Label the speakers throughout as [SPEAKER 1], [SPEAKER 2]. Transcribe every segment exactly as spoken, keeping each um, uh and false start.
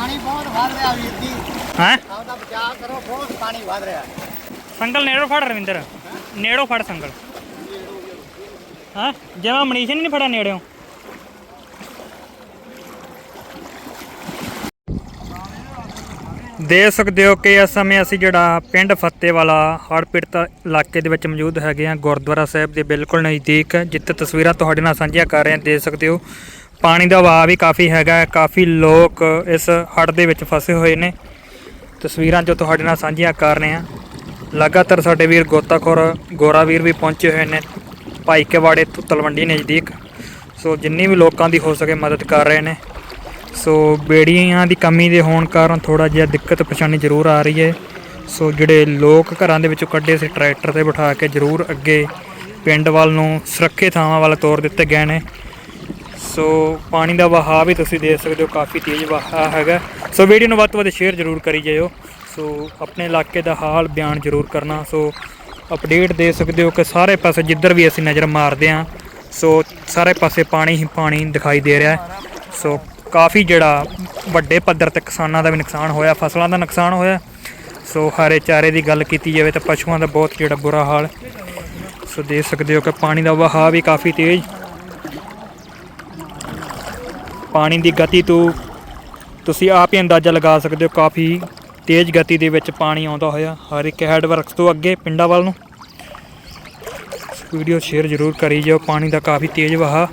[SPEAKER 1] ਪਾਣੀ ਬਹੁਤ ਵੱਧ ਰਿਹਾ ਵੀਰ ਜੀ।
[SPEAKER 2] ਹੈ
[SPEAKER 1] ਆਪਦਾ ਬਚਾਅ ਕਰੋ, ਬਹੁਤ ਪਾਣੀ ਵੱਧ ਰਿਹਾ।
[SPEAKER 2] ਸੰਗਲ ਨੇੜੋਂ ਫੜ ਰਵਿੰਦਰ, ਨੇੜੋਂ ਫੜ ਸੰਗਲ। ਹਾਂ ਜਿਵੇਂ ਮਨੀਸ਼ ਨੇ ਨਹੀਂ ਫੜਿਆ ਨੇੜਿਓਂ। ਦੇਖ ਸਕਦੇ ਹੋ ਕਿ ਇਸ ਸਮੇਂ ਅਸੀਂ ਜਿਹੜਾ ਪਿੰਡ ਫੱਤੇਵਾਲਾ ਹੜ੍ਹ ਪੀੜਤ ਇਲਾਕੇ ਦੇ ਵਿੱਚ ਮੌਜੂਦ ਹੈਗੇ ਹਾਂ, ਗੁਰਦੁਆਰਾ ਸਾਹਿਬ ਦੇ ਬਿਲਕੁਲ ਨਜ਼ਦੀਕ, ਜਿੱਥੇ ਤਸਵੀਰਾਂ ਤੁਹਾਡੇ ਨਾਲ ਸਾਂਝੀਆਂ ਕਰ ਰਹੇ ਹਾਂ। ਦੇਖ ਸਕਦੇ ਹੋ ਪਾਣੀ ਦਾ ਵਹਾਅ ਵੀ ਕਾਫੀ ਹੈਗਾ, ਕਾਫੀ ਲੋਕ ਇਸ ਹੜ੍ਹ ਦੇ ਵਿੱਚ ਫਸੇ ਹੋਏ ਨੇ। ਤਸਵੀਰਾਂ ਜੋ ਤੁਹਾਡੇ ਨਾਲ ਸਾਂਝੀਆਂ ਕਰ ਰਹੇ ਹਾਂ। ਲਗਾਤਾਰ ਸਾਡੇ ਵੀਰ ਗੋਤਾਖੋਰ ਗੋਰਾ ਵੀਰ ਵੀ ਪਹੁੰਚੇ ਹੋਏ ਨੇ ਭਾਈ ਕੇ ਵਾੜੇ ਤਲਵੰਡੀ ਨਜ਼ਦੀਕ। ਸੋ ਜਿੰਨੀ ਵੀ ਲੋਕਾਂ ਦੀ ਹੋ ਸਕੇ ਮਦਦ ਕਰ ਰਹੇ ਨੇ। ਸੋ ਬੇੜੀਆਂ ਦੀ ਕਮੀ ਦੇ ਹੋਣ ਕਾਰਨ ਥੋੜ੍ਹਾ ਜਿਹਾ ਦਿੱਕਤ ਪਰੇਸ਼ਾਨੀ ਜ਼ਰੂਰ ਆ ਰਹੀ ਹੈ। ਸੋ ਜਿਹੜੇ ਲੋਕ ਘਰਾਂ ਦੇ ਵਿੱਚੋਂ ਕੱਢੇ ਸੀ ਟਰੈਕਟਰ 'ਤੇ ਬਿਠਾ ਕੇ ਜ਼ਰੂਰ ਅੱਗੇ ਪਿੰਡ ਵੱਲ ਨੂੰ ਸੁਰੱਖਿਅਤ ਥਾਵਾਂ ਵੱਲ ਤੋਰ ਦਿੱਤੇ ਗਏ ਨੇ। ਸੋ ਪਾਣੀ ਦਾ ਵਹਾਅ ਵੀ ਤੁਸੀਂ ਦੇਖ ਸਕਦੇ ਹੋ, ਕਾਫੀ ਤੇਜ਼ ਵਹਾਅ ਹੈਗਾ। ਸੋ ਵੀਡੀਓ ਨੂੰ ਵੱਧ ਤੋਂ ਵੱਧ ਸ਼ੇਅਰ ਜ਼ਰੂਰ ਕਰੀ ਜਾਇਓ। ਸੋ ਆਪਣੇ ਇਲਾਕੇ ਦਾ ਹਾਲ ਬਿਆਨ ਜ਼ਰੂਰ ਕਰਨਾ। ਸੋ ਅਪਡੇਟ ਦੇ ਸਕਦੇ ਹੋ ਕਿ ਸਾਰੇ ਪਾਸੇ ਜਿੱਧਰ ਵੀ ਅਸੀਂ ਨਜ਼ਰ ਮਾਰਦੇ ਹਾਂ, ਸੋ ਸਾਰੇ ਪਾਸੇ ਪਾਣੀ ਹੀ ਪਾਣੀ ਦਿਖਾਈ ਦੇ ਰਿਹਾ। ਸੋ ਕਾਫੀ ਜਿਹੜਾ ਵੱਡੇ ਪੱਧਰ 'ਤੇ ਕਿਸਾਨਾਂ ਦਾ ਵੀ ਨੁਕਸਾਨ ਹੋਇਆ, ਫਸਲਾਂ ਦਾ ਨੁਕਸਾਨ ਹੋਇਆ। ਸੋ ਹਰੇ ਚਾਰੇ ਦੀ ਗੱਲ ਕੀਤੀ ਜਾਵੇ ਤਾਂ ਪਸ਼ੂਆਂ ਦਾ ਬਹੁਤ ਜਿਹੜਾ ਬੁਰਾ ਹਾਲ। ਸੋ ਦੇਖ ਸਕਦੇ ਹੋ ਕਿ ਪਾਣੀ ਦਾ ਵਹਾਅ ਵੀ ਕਾਫੀ ਤੇਜ਼। ਪਾਣੀ ਦੀ ਗਤੀ ਤੋਂ ਤੁਸੀਂ ਆਪ ਹੀ ਅੰਦਾਜ਼ਾ ਲਗਾ ਸਕਦੇ ਹੋ, ਕਾਫੀ ਤੇਜ਼ ਗਤੀ ਦੇ ਵਿੱਚ ਪਾਣੀ ਆਉਂਦਾ ਹੋਇਆ ਹਰ ਇੱਕ ਹੈਡ ਵਰਕਸ ਤੋਂ ਅੱਗੇ ਪਿੰਡਾਂ ਵੱਲ ਨੂੰ। ਵੀਡੀਓ ਸ਼ੇਅਰ ਜ਼ਰੂਰ ਕਰੀ ਜਾਓ। ਪਾਣੀ ਦਾ ਕਾਫੀ ਤੇਜ਼ ਵਹਾਅ।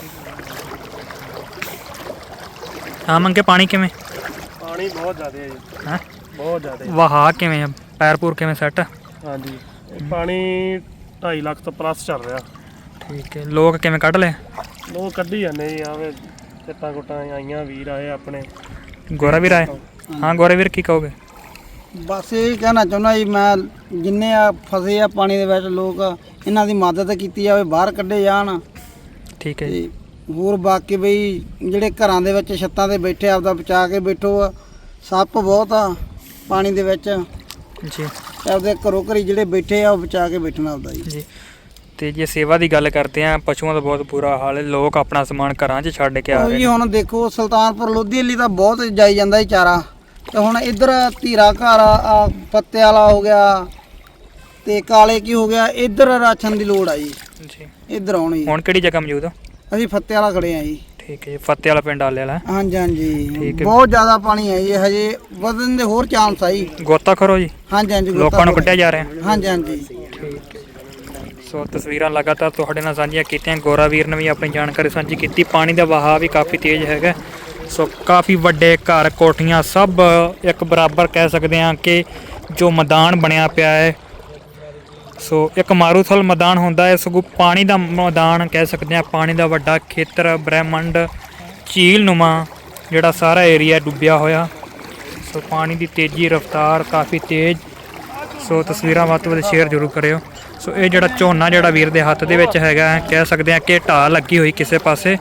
[SPEAKER 2] ਹਾਂ ਮੰਗੇ ਪਾਣੀ ਕਿਵੇਂ?
[SPEAKER 3] ਪਾਣੀ ਬਹੁਤ ਜ਼ਿਆਦਾ ਹੈ ਜੀ।
[SPEAKER 2] ਹੈਂ
[SPEAKER 3] ਬਹੁਤ ਜ਼ਿਆਦਾ
[SPEAKER 2] ਵਹਾਅ ਕਿਵੇਂ ਆ? ਪੈਰ ਪੂਰ ਕਿਵੇਂ ਸੈੱਟ?
[SPEAKER 3] ਹਾਂਜੀ, ਪਾਣੀ ਢਾਈ ਲੱਖ ਤੋਂ ਪਲੱਸ ਚੱਲ ਰਿਹਾ।
[SPEAKER 2] ਠੀਕ ਹੈ। ਲੋਕ ਕਿਵੇਂ ਕੱਢ ਲਏ?
[SPEAKER 3] ਲੋਕ ਕੱਢੀ ਜਾਂਦੇ ਜੀ। ਆਵੇ ਕਿੱਟਾਂ ਕੁੱਟਾਂ ਆਈਆਂ, ਵੀਰ ਆਏ ਆਪਣੇ।
[SPEAKER 2] ਗੋਰਾ ਵੀਰ ਆਏ? ਹਾਂ ਗੋਰਾ ਵੀਰ ਕੀ ਕਹੋਗੇ?
[SPEAKER 1] ਬਸ ਇਹ ਕਹਿਣਾ ਚਾਹੁੰਦਾ ਜੀ ਮੈਂ, ਜਿੰਨੇ ਆ ਫਸੇ ਆ ਪਾਣੀ ਦੇ ਵਿੱਚ ਲੋਕ, ਇਹਨਾਂ ਦੀ ਮਦਦ ਕੀਤੀ ਜਾਵੇ, ਬਾਹਰ ਕੱਢੇ ਜਾਣ।
[SPEAKER 2] ਠੀਕ ਹੈ ਜੀ।
[SPEAKER 1] ਤੇ ਹੋਰ ਬਾਕੀ ਬਈ ਜਿਹੜੇ ਘਰਾਂ ਦੇ ਵਿੱਚ ਛੱਤਾਂ 'ਤੇ ਬੈਠੇ ਆਪਦਾ ਬਚਾ ਕੇ ਬੈਠੋ। ਆ ਸੱਪ ਬਹੁਤ ਆ ਪਾਣੀ ਦੇ ਵਿੱਚ
[SPEAKER 2] ਜੀ।
[SPEAKER 1] ਆਪਦੇ ਘਰੋਂ ਘਰੀ ਜਿਹੜੇ ਬੈਠੇ ਆ ਉਹ ਬਚਾ ਕੇ ਬੈਠਣਾ ਆਪਦਾ ਜੀ।
[SPEAKER 2] ਜੀ ਤੇ ਜੇ ਸੇਵਾ ਦੀ ਗੱਲ ਕਰਦੇ ਆ, ਪਸ਼ੂਆਂ ਦਾ ਬਹੁਤ ਬੁਰਾ ਹਾਲ ਹੈ। ਲੋਕ ਆਪਣਾ ਸਮਾਨ ਘਰਾਂ 'ਚ ਛੱਡ ਕੇ ਆ ਰਹੇ
[SPEAKER 1] ਜੀ
[SPEAKER 2] ਨੇ।
[SPEAKER 1] ਹੁਣ ਦੇਖੋ ਸੁਲਤਾਨਪੁਰ ਲੋਧੀ ਲਈ ਤਾਂ ਬਹੁਤ ਜਾਈ ਜਾਂਦਾ ਜੀ ਚਾਰਾ। ਤੇ ਹੁਣ ਇੱਧਰ ਧੀਰਾ ਘਰ ਆ, ਪੱਤੇ ਵਾਲਾ ਹੋ ਗਿਆ ਤੇ ਕਾਲੇ ਕੀ ਹੋ ਗਿਆ, ਇੱਧਰ ਰਾਸ਼ਨ ਦੀ ਲੋੜ ਆ ਜੀ।
[SPEAKER 2] ਜੀ
[SPEAKER 1] ਇੱਧਰ ਆਉਣ ਜੀ।
[SPEAKER 2] ਹੁਣ ਕਿਹੜੀ ਜਗ੍ਹਾ ਮੌਜੂਦ ਹੋ?
[SPEAKER 1] ਅਸੀਂ ਫੱਤੇ ਵਾਲਾ ਖੜੇ ਆ ਜੀ।
[SPEAKER 2] ਠੀਕ ਹੈ ਜੀ। ਫੱਤੇ ਵਾਲਾ ਪਿੰਡ ਆਲੇ ਵਾਲਾ?
[SPEAKER 1] ਹਾਂਜੀ ਹਾਂਜੀ,
[SPEAKER 2] ਠੀਕ ਹੈ।
[SPEAKER 1] ਬਹੁਤ ਜ਼ਿਆਦਾ ਪਾਣੀ ਹੈ ਜੀ, ਹਜੇ ਵਧਣ ਦੇ ਹੋਰ ਚਾਂਸ ਆ ਜੀ।
[SPEAKER 2] ਗੋਤਾਖੋਰ ਜੀ?
[SPEAKER 1] ਹਾਂਜੀ ਹਾਂਜੀ,
[SPEAKER 2] ਲੋਕਾਂ ਨੂੰ ਕੱਢਿਆ ਜਾ ਰਿਹਾ?
[SPEAKER 1] ਹਾਂਜੀ ਹਾਂਜੀ।
[SPEAKER 2] ਠੀਕ ਹੈ। ਸੋ ਤਸਵੀਰਾਂ ਲਗਾਤਾਰ ਤੁਹਾਡੇ ਨਾਲ ਸਾਂਝੀਆਂ ਕੀਤੀਆਂ। ਗੋਰਾ ਵੀਰ ਨੇ ਵੀ ਆਪਣੀ ਜਾਣਕਾਰੀ ਸਾਂਝੀ ਕੀਤੀ। ਪਾਣੀ ਦਾ ਵਹਾਅ ਵੀ ਕਾਫੀ ਤੇਜ਼ ਹੈਗਾ। ਸੋ ਕਾਫੀ ਵੱਡੇ ਘਰ ਕੋਠੀਆਂ ਸਭ ਇੱਕ ਬਰਾਬਰ ਕਹਿ ਸਕਦੇ ਹਾਂ ਕਿ ਜੋ ਮੈਦਾਨ ਬਣਿਆ ਪਿਆ ਹੈ। ਸੋ ਇੱਕ ਮਾਰੂਥਲ ਮੈਦਾਨ ਹੁੰਦਾ ਹੈ, ਸਗੋਂ ਪਾਣੀ ਦਾ ਮੈਦਾਨ ਕਹਿ ਸਕਦੇ ਹਾਂ। ਪਾਣੀ ਦਾ ਵੱਡਾ ਖੇਤਰ, ਬ੍ਰਹਿਮੰਡ, ਝੀਲ ਨੁਮਾ ਜਿਹੜਾ ਸਾਰਾ ਏਰੀਆ ਡੁੱਬਿਆ ਹੋਇਆ। ਸੋ ਪਾਣੀ ਦੀ ਤੇਜ਼ੀ ਰਫ਼ਤਾਰ ਕਾਫੀ ਤੇਜ਼। ਸੋ ਤਸਵੀਰਾਂ ਵੱਧ ਤੋਂ ਵੱਧ ਸ਼ੇਅਰ ਜ਼ਰੂਰ ਕਰਿਓ। ਸੋ ਇਹ ਜਿਹੜਾ ਝੋਨਾ ਜਿਹੜਾ ਵੀਰ ਦੇ ਹੱਥ ਦੇ ਵਿੱਚ ਹੈਗਾ, ਕਹਿ ਸਕਦੇ ਹਾਂ ਕਿ ਢਾਹ ਲੱਗੀ ਹੋਈ ਕਿਸੇ ਪਾਸੇ।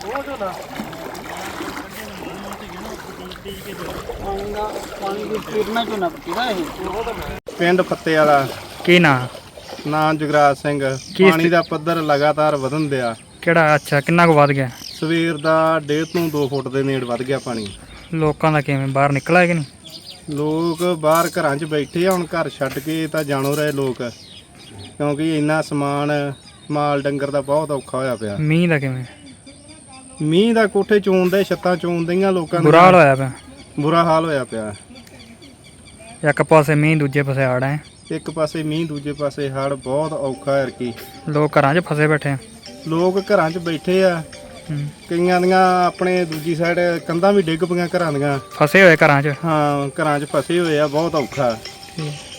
[SPEAKER 3] ਪਿੰਡ ਫੱਤੇ ਵਾਲਾ।
[SPEAKER 2] ਕੀ ਨਾਂ?
[SPEAKER 3] ਨਾਂ ਜੁਗਰਾਜ ਸਿੰਘ। ਪਾਣੀ ਦਾ ਪੱਧਰ ਲਗਾਤਾਰ ਵਧਣ ਦਿਆ।
[SPEAKER 2] ਕਿਹੜਾ? ਅੱਛਾ, ਕਿੰਨਾ ਕੁ ਵੱਧ ਗਿਆ?
[SPEAKER 3] ਸਵੇਰ ਦਾ ਡੇਢ ਤੋਂ ਦੋ ਫੁੱਟ ਦੇ ਨੇੜ ਵੱਧ ਗਿਆ ਪਾਣੀ।
[SPEAKER 2] ਲੋਕਾਂ ਦਾ ਕਿਵੇਂ ਬਾਹਰ ਨਿਕਲਿਆ ਕਿ ਨਹੀਂ?
[SPEAKER 3] ਲੋਕ ਬਾਹਰ ਘਰਾਂ 'ਚ ਬੈਠੇ ਆ। ਹੁਣ ਘਰ ਛੱਡ ਕੇ ਤਾਂ ਜਾਣੋ ਰਹੇ ਲੋਕ, ਕਿਉਂਕਿ ਇੰਨਾ ਸਮਾਨ ਮਾਲ ਡੰਗਰ ਦਾ ਬਹੁਤ ਔਖਾ ਹੋਇਆ ਪਿਆ।
[SPEAKER 2] ਮੀਂਹ ਦਾ ਕਿਵੇਂ?
[SPEAKER 3] ਮੀਂਹ ਦਾ ਕੋਠੇ ਚੋਂਦੇ, ਛੱਤਾਂ ਚੋਂਦੀਆਂ ਲੋਕਾਂ
[SPEAKER 2] ਬੁਰਾ ਹਾਲ ਹੋਇਆ ਪਿਆ।
[SPEAKER 3] ਬੁਰਾ ਹਾਲ ਹੋਇਆ ਪਿਆ।
[SPEAKER 2] ਇੱਕ ਪਾਸੇ ਮੀਂਹ, ਦੂਜੇ ਪਾਸੇ ਹੜ੍ਹ ਹੈ।
[SPEAKER 3] ਇੱਕ ਪਾਸੇ ਮੀਂਹ, ਦੂਜੇ ਪਾਸੇ ਹੜ੍ਹ। ਬਹੁਤ ਔਖਾ ਹੈ ਕੀ।
[SPEAKER 2] ਲੋਕ ਘਰਾਂ 'ਚ ਫਸੇ ਬੈਠੇ ਆ।
[SPEAKER 3] ਲੋਕ ਘਰਾਂ 'ਚ ਬੈਠੇ ਆ। ਕਈਆਂ ਦੀਆਂ ਆਪਣੇ ਦੂਜੀ ਸਾਈਡ ਕੰਧਾਂ ਵੀ ਡਿੱਗ ਪਈਆਂ ਘਰਾਂ ਦੀਆਂ।
[SPEAKER 2] ਫਸੇ ਹੋਏ ਘਰਾਂ 'ਚ?
[SPEAKER 3] ਹਾਂ, ਘਰਾਂ 'ਚ ਫਸੇ ਹੋਏ ਆ। ਬਹੁਤ ਔਖਾ।